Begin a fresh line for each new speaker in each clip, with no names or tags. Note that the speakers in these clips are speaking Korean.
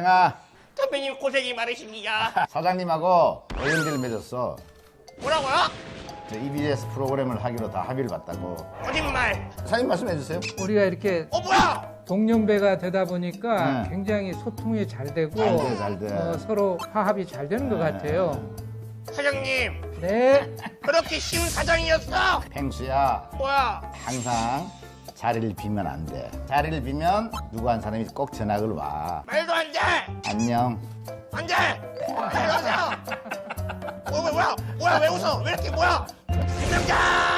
팽아,
선배님 고생이 많으십니다.
사장님하고 어연기를 맺었어.
뭐라고요?
저 EBS 프로그램을 하기로 다 합의를 봤다고.
거짓말.
사장님 말씀해 주세요.
우리가 이렇게
뭐야?
동년배가 되다 보니까
네.
굉장히 소통이 잘 되고
잘 돼.
서로 화합이 잘 되는 것 같아요.
사장님,
네.
그렇게 쉬운 사장이었어?
팽수야,
뭐야? 항상
자리를 비면 안 돼. 자리를 비면 누구 한 사람이 꼭 전학을 와.
말도 안 돼!
안녕.
안 돼! 이러자! 뭐야, 왜 웃어? 왜 이렇게 뭐야? 김명장!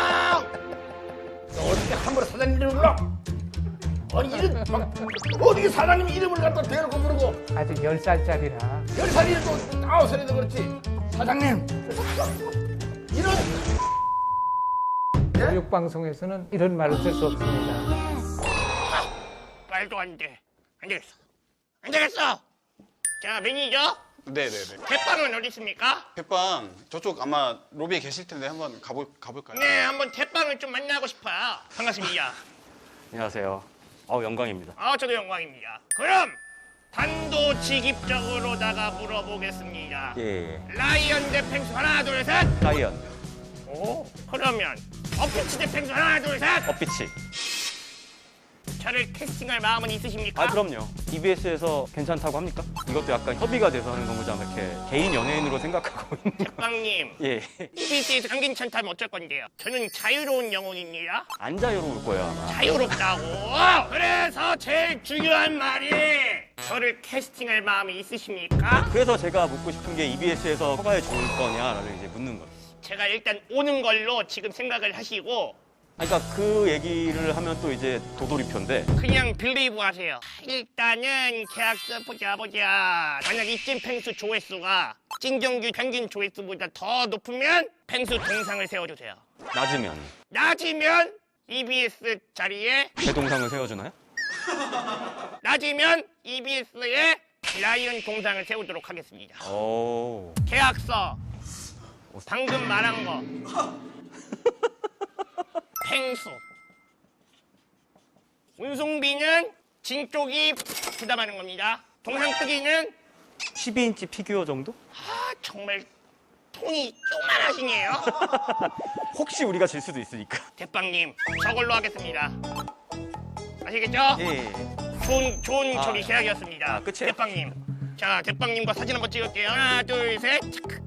너 어떻게 함부로 사장님 이름을 불러? 아니 이름 막 어떻게 사장님 이름을 갖다 대놓고 부르고
아직 10살짜리라.
10살이 또 9살이도 그렇지. 사장님 이런
교육방송에서는 이런 말을 쓸 수 없습니다.
말도 안 돼. 안 되겠어. 안 되겠어! 자, 매니저?
네네네.
대빵은 어디 있습니까?
대빵 저쪽 아마 로비에 계실 텐데 한번 가볼까요?
네, 한번 대빵을 좀 만나고 싶어요. 반갑습니다.
안녕하세요. 영광입니다.
저도 영광입니다. 그럼 단도직입적으로다가 물어보겠습니다.
예.
라이언 대 펭수 하나 둘 셋.
라이언,
오, 그러면 어피치 대 펭수 하나 둘 셋.
어피치.
저를 캐스팅할 마음은 있으십니까?
그럼요. EBS에서 괜찮다고 합니까? 이것도 약간 협의가 돼서 하는 건지 아마 이렇게 개인 연예인으로 생각하고 있는 거.
대빵님,
예.
EBS에서 안 괜찮다면 어쩔 건데요? 저는 자유로운 영혼입니다.
안 자유로울 거예요, 아마.
자유롭다고. 그래서 제일 중요한 말이 저를 캐스팅할 마음이 있으십니까?
그래서 제가 묻고 싶은 게 EBS에서 허가해 줄 거냐라는 이제 묻는 거예요.
제가 일단 오는 걸로 지금 생각을 하시고
그러니까 그 얘기를 하면 또 이제 도돌이표인데
그냥 빌리브 하세요. 일단은 계약서 보자. 만약 이쯤 펭수 조회수가 찐정규 평균 조회수보다 더 높으면 펭수 동상을 세워주세요. 낮으면 EBS 자리에
제 동상을 세워주나요?
낮으면 EBS에 라이언 동상을 세우도록 하겠습니다.
오.
계약서 방금 말한 거 펭수 운송비는 진 쪽이 부담하는 겁니다. 동상 크기는
12인치 피규어 정도?
정말 통이 쪼만하시네요.
혹시 우리가 질 수도 있으니까.
대빵님 저걸로 하겠습니다. 아시겠죠?
예.
좋은 처리 계약이었습니다.
끝이에요?
대빵님. 자, 대빵님과 사진 한번 찍을게요. 하나 둘 셋. 체크.